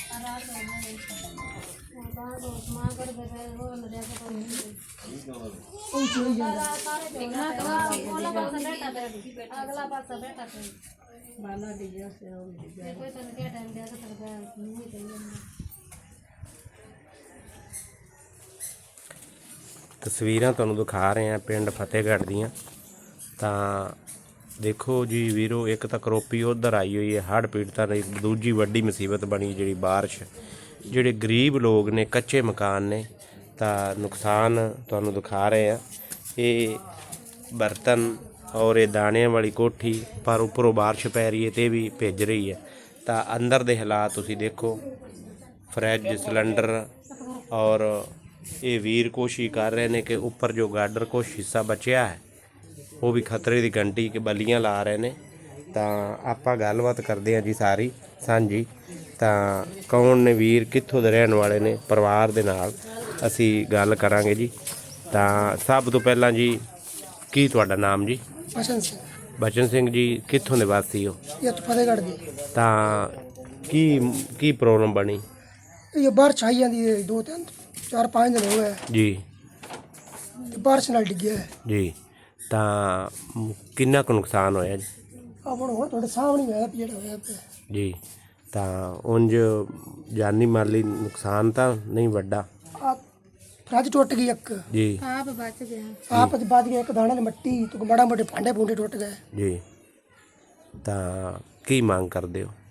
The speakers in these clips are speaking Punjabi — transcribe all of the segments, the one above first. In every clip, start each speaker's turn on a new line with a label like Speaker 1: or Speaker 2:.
Speaker 1: ਤਸਵੀਰਾਂ ਤੁਹਾਨੂੰ ਦਿਖਾ ਰਹੇ ਹਾਂ ਪਿੰਡ ਫਤਿਹਗੜ੍ਹ ਦੀਆਂ। ਤਾਂ ਦੇਖੋ ਜੀ ਵੀਰੋ, ਇੱਕ ਤਾਂ ਕਰੋਪੀ ਉਧਰ ਆਈ ਹੋਈ ਹੈ ਹੜ੍ਹ ਪੀੜਤਾਂ ਦੀ, ਦੂਜੀ ਵੱਡੀ ਮੁਸੀਬਤ ਬਣੀ ਜਿਹੜੀ ਬਾਰਿਸ਼। ਜਿਹੜੇ ਗਰੀਬ ਲੋਕ ਨੇ, ਕੱਚੇ ਮਕਾਨ ਨੇ, ਤਾਂ ਨੁਕਸਾਨ ਤੁਹਾਨੂੰ ਦਿਖਾ ਰਹੇ ਆ। ਇਹ ਬਰਤਨ ਔਰ ਇਹ ਦਾਣਿਆਂ ਵਾਲੀ ਕੋਠੀ, ਪਰ ਉੱਪਰੋਂ ਬਾਰਿਸ਼ ਪੈ ਰਹੀ ਹੈ ਤੇ ਵੀ ਭਿੱਜ ਰਹੀ ਹੈ। ਤਾਂ ਅੰਦਰ ਦੇ ਹਾਲਾਤ ਤੁਸੀਂ ਦੇਖੋ, ਫਰਿੱਜ, ਸਿਲੰਡਰ, ਔਰ ਇਹ ਵੀਰ ਕੋਸ਼ਿਸ਼ ਕਰ ਰਹੇ ਨੇ ਕਿ ਉੱਪਰ ਜੋ ਗਾਡਰ ਕੁਛ ਹਿੱਸਾ ਬਚਿਆ ਹੈ ਉਹ ਵੀ ਖਤਰੇ ਦੀ ਘੰਟੀ ਕਿ ਬਲੀਆਂ ਲਾ ਰਹੇ ਨੇ। ਤਾਂ ਆਪਾਂ ਗੱਲਬਾਤ ਕਰਦੇ ਹਾਂ ਜੀ ਸਾਰੀ ਸਾਂਝੀ। ਤਾਂ ਕੌਣ ਨੇ ਵੀਰ, ਕਿੱਥੋਂ ਦੇ ਰਹਿਣ ਵਾਲੇ ਨੇ, ਪਰਿਵਾਰ ਦੇ ਨਾਲ ਅਸੀਂ ਗੱਲ ਕਰਾਂਗੇ ਜੀ। ਤਾਂ ਸਭ ਤੋਂ ਪਹਿਲਾਂ ਜੀ, ਕੀ ਤੁਹਾਡਾ ਨਾਮ ਜੀ?
Speaker 2: ਬਚਨ ਸਿੰਘ।
Speaker 1: ਬਚਨ ਸਿੰਘ ਜੀ, ਕਿੱਥੋਂ ਦੇ ਵਾਸੀ ਹੋ?
Speaker 2: ਇਹ ਤਾਂ ਫਤਿਹਗੜ੍ਹ ਦੀ।
Speaker 1: ਤਾਂ ਕੀ ਪ੍ਰੋਬਲਮ ਬਣੀ?
Speaker 2: ਇਹ ਬਾਰਿਸ਼ ਆਈ ਜਾਂਦੀ ਹੈ, 2-4-5 ਦਿਨ ਹੋ ਗਏ
Speaker 1: ਜੀ।
Speaker 2: ਬਾਰਿਸ਼ ਨਾਲ ਡਿੱਗਿਆ ਹੈ
Speaker 1: ਜੀ। ਤਾਂ ਕਿੰਨਾ ਕੁ ਨੁਕਸਾਨ ਹੋਇਆ ਜੀ?
Speaker 2: ਆਪਣਾ ਹੁਣ ਤੁਹਾਡੇ ਸਾਹਮਣੇ ਹੋਇਆ ਜਿਹੜਾ ਹੋਇਆ ਪਿਆ
Speaker 1: ਜੀ। ਤਾਂ ਉਂਝ ਜਾਨੀ ਮਾਲੀ ਨੁਕਸਾਨ ਤਾਂ ਨਹੀਂ ਵੱਡਾ?
Speaker 2: ਫਰਿੱਜ ਟੁੱਟ ਗਈ ਇੱਕ
Speaker 1: ਜੀ।
Speaker 2: ਆਪ ਬਚ ਗਿਆ ਇੱਕ ਦਾਣੇ ਦੀ ਮਿੱਟੀ ਤੋਂ ਮਾੜਾ ਮੋਟੇ ਭਾਂਡੇ ਭੂੰਡੇ ਟੁੱਟ ਗਏ
Speaker 1: ਜੀ। ਤਾਂ ਕੀ ਮੰਗ ਕਰਦੇ ਹੋ?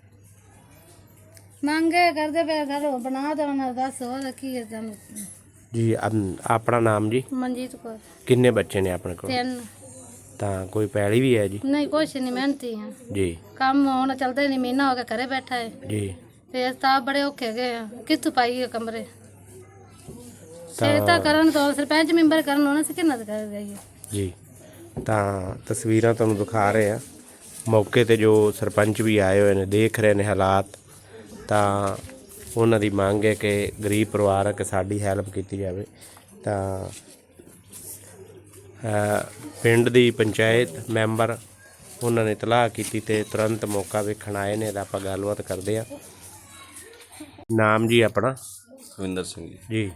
Speaker 3: ਮੰਗੇ ਕਰਦੇ ਪਏ ਘਰ ਬਣਾ ਦੇਣਾ, ਦੱਸ ਹੋਰ ਕੀ ਹੈ ਤੁਹਾਨੂੰ?
Speaker 1: ਜੀ। ਆਪਣਾ ਨਾਮ ਜੀ?
Speaker 3: ਮਨਜੀਤ ਕੌਰ।
Speaker 1: ਕਿੰਨੇ ਬੱਚੇ ਨੇ ਆਪਣੇ ਕੋਲ?
Speaker 3: 3।
Speaker 1: ਤਾਂ ਕੋਈ ਪੈਲੀ ਵੀ ਹੈ ਜੀ?
Speaker 3: ਨਹੀਂ, ਕੁਛ ਨਹੀਂ, ਮਿਹਨਤੀ ਹਾਂ
Speaker 1: ਜੀ।
Speaker 3: ਕੰਮ ਹੁਣ ਚੱਲਦਾ ਨਹੀਂ, ਮਹੀਨਾ ਹੋ ਗਿਆ ਘਰੇ ਬੈਠਾ ਹੈ
Speaker 1: ਜੀ।
Speaker 3: ਤੇ ਤਾਂ ਬੜੇ ਔਖੇ ਗਏ ਆ, ਕਿੱਥੋਂ ਪਾਈਏ ਕਮਰੇ? ਤਾਂ ਕਰਨ ਤੋਂ ਸਰਪੰਚ ਮੈਂਬਰ ਕਰਨ ਉਹਨਾਂ ਸੇ ਕਿੰਨਾ ਕਰ ਗਈ
Speaker 1: ਜੀ। ਤਾਂ ਤਸਵੀਰਾਂ ਤੁਹਾਨੂੰ ਦਿਖਾ ਰਹੇ ਆ, ਮੌਕੇ ਤੇ ਜੋ ਸਰਪੰਚ ਵੀ ਆਏ ਹੋਏ ਨੇ, ਦੇਖ ਰਹੇ ਨੇ ਹਾਲਾਤ। ਤਾਂ ਉਹਨਾਂ ਦੀ ਮੰਗ ਹੈ ਕਿ ਗਰੀਬ ਪਰਿਵਾਰ ਹੈ ਕਿ ਸਾਡੀ ਹੈਲਪ ਕੀਤੀ ਜਾਵੇ। ਤਾਂ ਪਿੰਡ ਦੀ ਪੰਚਾਇਤ ਮੈਂਬਰ ਉਹਨਾਂ ਨੇ ਇਤਲਾਹ ਕੀਤੀ ਤੇ ਤੁਰੰਤ ਮੌਕਾ ਵੇਖਣ ਆਏ ਨੇ। ਤਾਂ ਆਪਾਂ ਗੱਲਬਾਤ ਕਰਦੇ ਹਾਂ। ਨਾਮ ਜੀ ਆਪਣਾ?
Speaker 4: ਹਰਵਿੰਦਰ ਸਿੰਘ ਜੀ।
Speaker 1: ਜੀ।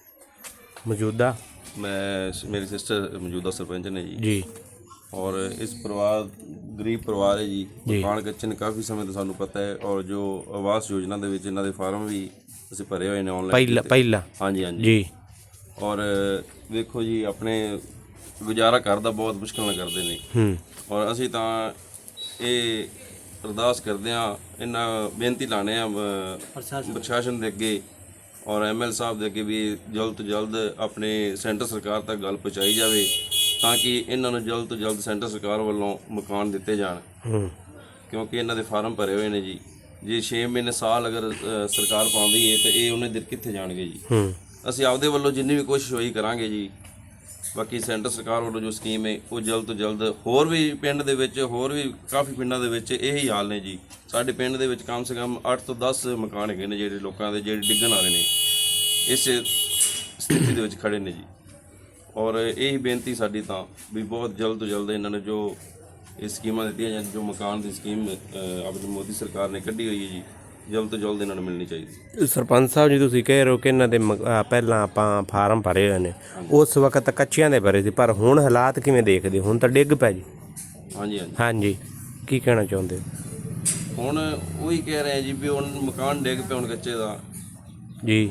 Speaker 1: ਮੌਜੂਦਾ
Speaker 4: ਮੇਰੀ ਸਿਸਟਰ ਮੌਜੂਦਾ ਸਰਪੰਚ ਨੇ ਜੀ।
Speaker 1: ਜੀ।
Speaker 4: ਔਰ ਇਸ ਪਰਿਵਾਰ ਗਰੀਬ ਪਰਿਵਾਰ ਹੈ ਜੀ। ਮਕਾਨ ਕੱਚੇ ਨੇ ਕਾਫੀ ਸਮੇਂ ਤੋਂ, ਸਾਨੂੰ ਪਤਾ ਹੈ। ਔਰ ਜੋ ਆਵਾਸ ਯੋਜਨਾ ਦੇ ਵਿੱਚ ਇਹਨਾਂ ਦੇ ਫਾਰਮ ਵੀ ਅਸੀਂ ਭਰੇ ਹੋਏ ਨੇ ਆਨਲਾਈਨ
Speaker 1: ਪਹਿਲਾਂ।
Speaker 4: ਹਾਂਜੀ ਹਾਂਜੀ
Speaker 1: ਜੀ।
Speaker 4: ਔਰ ਵੇਖੋ ਜੀ, ਆਪਣੇ ਗੁਜ਼ਾਰਾ ਘਰ ਦਾ ਬਹੁਤ ਮੁਸ਼ਕਿਲ ਨਾਲ ਕਰਦੇ ਨੇ। ਔਰ ਅਸੀਂ ਤਾਂ ਇਹ ਅਰਦਾਸ ਕਰਦੇ ਹਾਂ, ਇਹਨਾਂ ਬੇਨਤੀ ਲਾਣੇ ਆ ਪ੍ਰਸ਼ਾਸਨ ਦੇ ਅੱਗੇ ਔਰ ML ਸਾਹਿਬ ਦੇ ਅੱਗੇ ਵੀ ਜਲਦ ਤੋਂ ਜਲਦ ਆਪਣੇ ਸੈਂਟਰ ਸਰਕਾਰ ਤੱਕ ਗੱਲ ਪਹੁੰਚਾਈ ਜਾਵੇ, ਤਾਂ ਕਿ ਇਹਨਾਂ ਨੂੰ ਜਲਦ ਤੋਂ ਜਲਦ ਸੈਂਟਰ ਸਰਕਾਰ ਵੱਲੋਂ ਮਕਾਨ ਦਿੱਤੇ ਜਾਣ। ਕਿਉਂਕਿ ਇਹਨਾਂ ਦੇ ਫਾਰਮ ਭਰੇ ਹੋਏ ਨੇ ਜੀ। ਜੇ 6 ਮਹੀਨੇ ਸਾਲ ਅਗਰ ਸਰਕਾਰ ਪਾਉਂਦੀ ਹੈ ਤਾਂ ਇਹ ਉਹਨੇ ਦਿਨ ਕਿੱਥੇ ਜਾਣਗੇ ਜੀ। ਅਸੀਂ ਆਪਦੇ ਵੱਲੋਂ ਜਿੰਨੀ ਵੀ ਕੋਸ਼ਿਸ਼ ਹੋਈ ਕਰਾਂਗੇ ਜੀ। ਬਾਕੀ ਸੈਂਟਰ ਸਰਕਾਰ ਵੱਲੋਂ ਜੋ ਸਕੀਮ ਹੈ ਉਹ ਜਲਦ ਤੋਂ ਜਲਦ, ਹੋਰ ਵੀ ਪਿੰਡ ਦੇ ਵਿੱਚ, ਹੋਰ ਵੀ ਕਾਫੀ ਪਿੰਡਾਂ ਦੇ ਵਿੱਚ ਇਹੀ ਹਾਲ ਨੇ ਜੀ। ਸਾਡੇ ਪਿੰਡ ਦੇ ਵਿੱਚ ਕਮ ਸੇ ਕਮ 8 ਤੋਂ 10 ਮਕਾਨ ਹੈਗੇ ਨੇ ਜਿਹੜੇ ਲੋਕਾਂ ਦੇ, ਜਿਹੜੇ ਡਿੱਗਣ ਵਾਲੇ ਨੇ, ਇਸ ਸਥਿਤੀ ਦੇ ਵਿੱਚ ਖੜੇ ਨੇ ਜੀ। ਔਰ ਇਹੀ ਬੇਨਤੀ ਸਾਡੀ ਤਾਂ ਵੀ ਬਹੁਤ ਜਲਦ ਤੋਂ ਜਲਦ ਇਹਨਾਂ ਨੂੰ ਜੋ ਇਹ ਸਕੀਮਾਂ ਦਿੱਤੀਆਂ ਜਾਣ, ਜੋ ਮਕਾਨ ਦੀ ਸਕੀਮ ਆਪਣੀ ਮੋਦੀ ਸਰਕਾਰ ਨੇ ਕੱਢੀ ਹੋਈ ਹੈ ਜੀ, ਜਲਦ ਤੋਂ ਜਲਦ ਇਹਨਾਂ ਨੂੰ ਮਿਲਣੀ ਚਾਹੀਦੀ।
Speaker 1: ਸਰਪੰਚ ਸਾਹਿਬ ਜੀ, ਤੁਸੀਂ ਕਹਿ ਰਹੇ ਹੋ ਕਿ ਇਹਨਾਂ ਦੇ ਪਹਿਲਾਂ ਆਪਾਂ ਫਾਰਮ ਭਰੇ ਹੋਏ ਨੇ, ਉਸ ਵਕਤ ਕੱਚਿਆਂ ਦੇ ਭਰੇ ਸੀ, ਪਰ ਹੁਣ ਹਾਲਾਤ ਕਿਵੇਂ ਦੇਖਦੇ? ਹੁਣ ਤਾਂ ਡਿੱਗ ਪੈ ਜੀ।
Speaker 4: ਹਾਂਜੀ ਹਾਂਜੀ
Speaker 1: ਹਾਂਜੀ। ਕੀ ਕਹਿਣਾ ਚਾਹੁੰਦੇ?
Speaker 4: ਹੁਣ ਉਹੀ ਕਹਿ ਰਹੇ ਜੀ ਵੀ ਹੁਣ ਮਕਾਨ ਡਿੱਗ ਪਿਆ ਹੁਣ ਕੱਚੇ ਦਾ
Speaker 1: ਜੀ।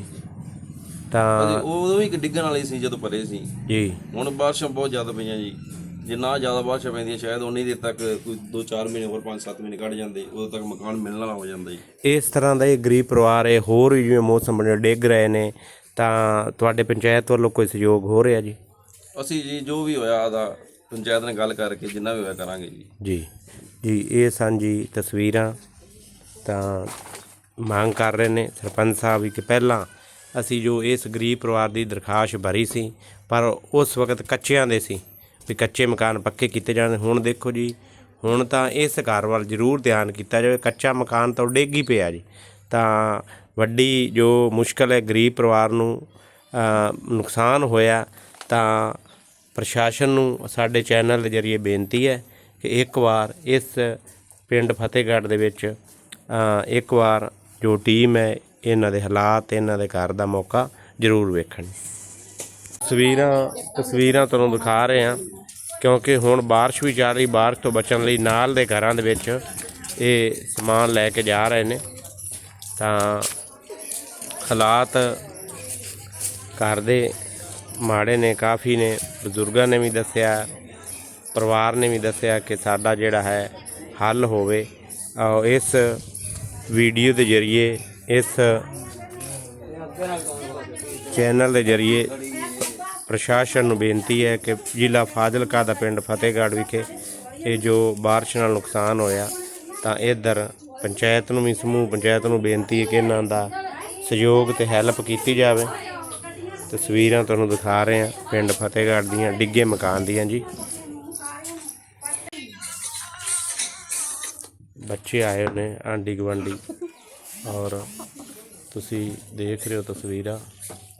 Speaker 1: ਤਾਂ
Speaker 4: ਉਦੋਂ ਵੀ ਡਿੱਗਣ ਵਾਲੇ ਸੀ ਜਦੋਂ ਭਰੇ ਸੀ
Speaker 1: ਜੀ।
Speaker 4: ਹੁਣ ਬਾਰਿਸ਼ਾਂ ਬਹੁਤ ਜ਼ਿਆਦਾ ਪਈਆਂ ਜੀ। ਜਿੰਨਾ ਜ਼ਿਆਦਾ ਬਾਰਿਸ਼ਾਂ ਪੈਂਦੀਆਂ ਸ਼ਾਇਦ ਉਨੀ ਦੇਰ ਤੱਕ ਕੋਈ 2-4 ਮਹੀਨੇ ਹੋਰ 5-7 ਮਹੀਨੇ ਕੱਢ ਜਾਂਦੇ, ਉਦੋਂ ਤੱਕ ਮਕਾਨ ਮਿਲਣ ਵਾਲਾ ਹੋ ਜਾਂਦਾ ਜੀ।
Speaker 1: ਇਸ ਤਰ੍ਹਾਂ ਦਾ ਇਹ ਗਰੀਬ ਪਰਿਵਾਰ ਹੈ, ਹੋਰ ਵੀ ਜਿਵੇਂ ਮੌਸਮ ਬਣੇ ਡਿੱਗ ਰਹੇ ਨੇ, ਤਾਂ ਤੁਹਾਡੇ ਪੰਚਾਇਤ ਵੱਲੋਂ ਕੋਈ ਸਹਿਯੋਗ ਹੋ ਰਿਹਾ ਜੀ?
Speaker 4: ਅਸੀਂ ਜੀ ਜੋ ਵੀ ਹੋਇਆ ਆਦਾ ਪੰਚਾਇਤ ਨਾਲ ਗੱਲ ਕਰਕੇ ਜਿੰਨਾ ਵੀ ਹੋਇਆ ਕਰਾਂਗੇ ਜੀ।
Speaker 1: ਜੀ। ਜੀ। ਇਹ ਸਨ ਜੀ ਤਸਵੀਰਾਂ। ਤਾਂ ਮੰਗ ਕਰ ਰਹੇ ਨੇ ਸਰਪੰਚ ਸਾਹਿਬ ਵੀ ਕਿ ਪਹਿਲਾਂ ਅਸੀਂ ਜੋ ਇਸ ਗਰੀਬ ਪਰਿਵਾਰ ਦੀ ਦਰਖਾਸਤ ਭਰੀ ਸੀ, ਪਰ ਉਸ ਵਕਤ ਕੱਚਿਆਂ ਦੇ ਸੀ ਵੀ ਕੱਚੇ ਮਕਾਨ ਪੱਕੇ ਕੀਤੇ ਜਾਣ। ਹੁਣ ਦੇਖੋ ਜੀ, ਹੁਣ ਤਾਂ ਇਸ ਘਰ ਵੱਲ ਜ਼ਰੂਰ ਧਿਆਨ ਕੀਤਾ ਜਾਵੇ। ਕੱਚਾ ਮਕਾਨ ਤਾਂ ਡਿੱਗ ਹੀ ਪਿਆ ਜੀ। ਤਾਂ ਵੱਡੀ ਜੋ ਮੁਸ਼ਕਲ ਹੈ ਗਰੀਬ ਪਰਿਵਾਰ ਨੂੰ ਨੁਕਸਾਨ ਹੋਇਆ। ਤਾਂ ਪ੍ਰਸ਼ਾਸਨ ਨੂੰ ਸਾਡੇ ਚੈਨਲ ਦੇ ਜ਼ਰੀਏ ਬੇਨਤੀ ਹੈ ਕਿ ਇੱਕ ਵਾਰ ਇਸ ਪਿੰਡ ਫਤਿਹਗੜ੍ਹ ਦੇ ਵਿੱਚ ਇੱਕ ਵਾਰ ਜੋ ਟੀਮ ਹੈ ਇਹਨਾਂ ਦੇ ਹਾਲਾਤ, ਇਹਨਾਂ ਦੇ ਘਰ ਦਾ ਮੌਕਾ ਜ਼ਰੂਰ ਵੇਖਣ। ਤਸਵੀਰਾਂ ਤੁਹਾਨੂੰ ਦਿਖਾ ਰਹੇ ਹਾਂ ਕਿਉਂਕਿ ਹੁਣ ਬਾਰਿਸ਼ ਵੀ ਚੱਲ ਰਹੀ। ਬਾਰਿਸ਼ ਤੋਂ ਬਚਣ ਲਈ ਨਾਲ ਦੇ ਘਰਾਂ ਦੇ ਵਿੱਚ ਇਹ ਸਮਾਨ ਲੈ ਕੇ ਜਾ ਰਹੇ ਨੇ। ਤਾਂ ਹਾਲਾਤ ਘਰ ਦੇ ਮਾੜੇ ਨੇ, ਕਾਫੀ ਨੇ। ਬਜ਼ੁਰਗਾਂ ਨੇ ਵੀ ਦੱਸਿਆ, ਪਰਿਵਾਰ ਨੇ ਵੀ ਦੱਸਿਆ ਕਿ ਸਾਡਾ ਜਿਹੜਾ ਹੈ ਹੱਲ ਹੋਵੇ। ਇਸ ਵੀਡੀਓ ਦੇ ਜ਼ਰੀਏ, ਇਸ ਚੈਨਲ ਦੇ ਜ਼ਰੀਏ ਪ੍ਰਸ਼ਾਸਨ ਨੂੰ ਬੇਨਤੀ ਹੈ ਕਿ ਜ਼ਿਲ੍ਹਾ ਫਾਜ਼ਿਲਕਾ ਦਾ ਪਿੰਡ ਫਤਿਹਗੜ੍ਹ ਵਿਖੇ ਇਹ ਜੋ ਬਾਰਿਸ਼ ਨਾਲ ਨੁਕਸਾਨ ਹੋਇਆ, ਤਾਂ ਇੱਧਰ ਪੰਚਾਇਤ ਨੂੰ ਵੀ, ਸਮੂਹ ਪੰਚਾਇਤ ਨੂੰ ਬੇਨਤੀ ਹੈ ਕਿ ਇਹਨਾਂ ਦਾ ਸਹਿਯੋਗ ਅਤੇ ਹੈਲਪ ਕੀਤੀ ਜਾਵੇ। ਤਸਵੀਰਾਂ ਤੁਹਾਨੂੰ ਦਿਖਾ ਰਹੇ ਹਾਂ ਪਿੰਡ ਫਤਿਹਗੜ੍ਹ ਦੀਆਂ ਡਿੱਗੇ ਮਕਾਨ ਦੀਆਂ ਜੀ। ਬੱਚੇ ਆਏ ਨੇ, ਆਂਢੀ ਗੁਆਂਢੀ, ਔਰ ਤੁਸੀਂ ਦੇਖ ਰਹੇ ਹੋ ਤਸਵੀਰਾਂ।